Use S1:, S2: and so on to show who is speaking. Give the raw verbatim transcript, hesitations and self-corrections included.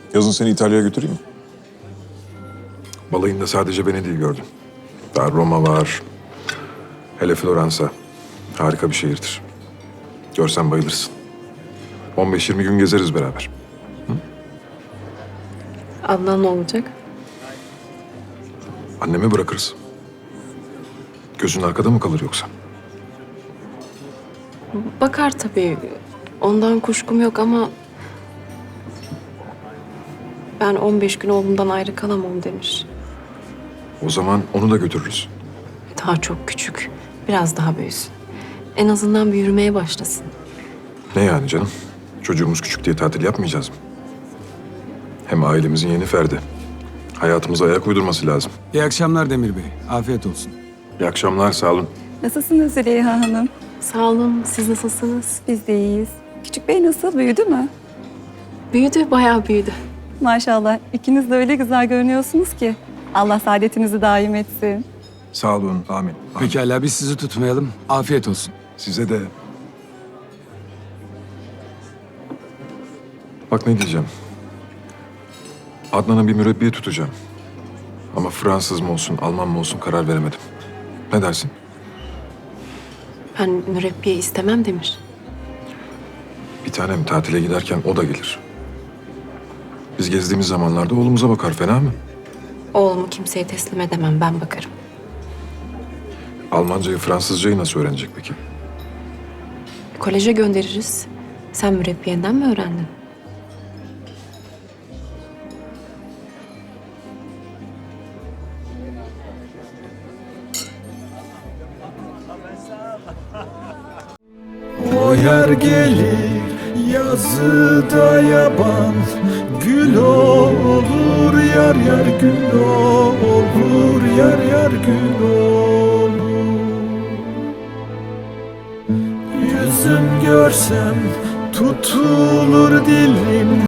S1: Yazın seni İtalya'ya götüreyim mi?
S2: Balayında sadece Venedik'i gördüm. Daha Roma var. Hele Floransa. Harika bir şehirdir. Görsen bayılırsın. on beş yirmi gün gezeriz beraber.
S3: Adnan ne olacak?
S2: Anneme bırakırız. Gözün arkada mı kalır yoksa?
S3: Bakar tabii. Ondan kuşkum yok ama... Ben on beş gün oğlumdan ayrı kalamam demiş.
S2: O zaman onu da götürürüz.
S3: Daha çok küçük. Biraz daha büyüsün. En azından bir yürümeye başlasın.
S2: Ne yani canım? Çocuğumuz küçük diye tatil yapmayacağız mı? Hem ailemizin yeni ferdi. Hayatımıza ayak uydurması lazım.
S4: İyi akşamlar Demir Bey. Afiyet olsun.
S2: İyi akşamlar, sağ olun.
S5: Nasılsınız Züleyha Hanım?
S3: Sağ olun. Siz nasılsınız?
S5: Biz de iyiyiz. Küçük bey nasıl? Büyüdü mü?
S3: Büyüdü, bayağı büyüdü.
S5: Maşallah. İkiniz de öyle güzel görünüyorsunuz ki. Allah saadetinizi daim etsin.
S2: Sağ olun, amin. amin.
S4: Pekala biz sizi tutmayalım. Afiyet olsun.
S2: Size de... Bak ne diyeceğim. Adnan'a bir mürebbiye tutacağım. Ama Fransız mı olsun, Alman mı olsun karar veremedim. Ne dersin?
S3: Ben mürebbiye istemem Demir.
S2: Bir tanem tatile giderken o da gelir. Biz gezdiğimiz zamanlarda oğlumuza bakar, fena mı?
S3: Oğlumu kimseye teslim edemem, ben bakarım.
S2: Almancayı, Fransızcayı nasıl öğrenecek peki?
S3: Koleje göndeririz. Sen mürebbiyenden mi öğrendin?
S6: O yer gelir yazıda yaban, gül olur yar yar gül olur yar yar gül olur. Yüzüm görsem tutulur dilim.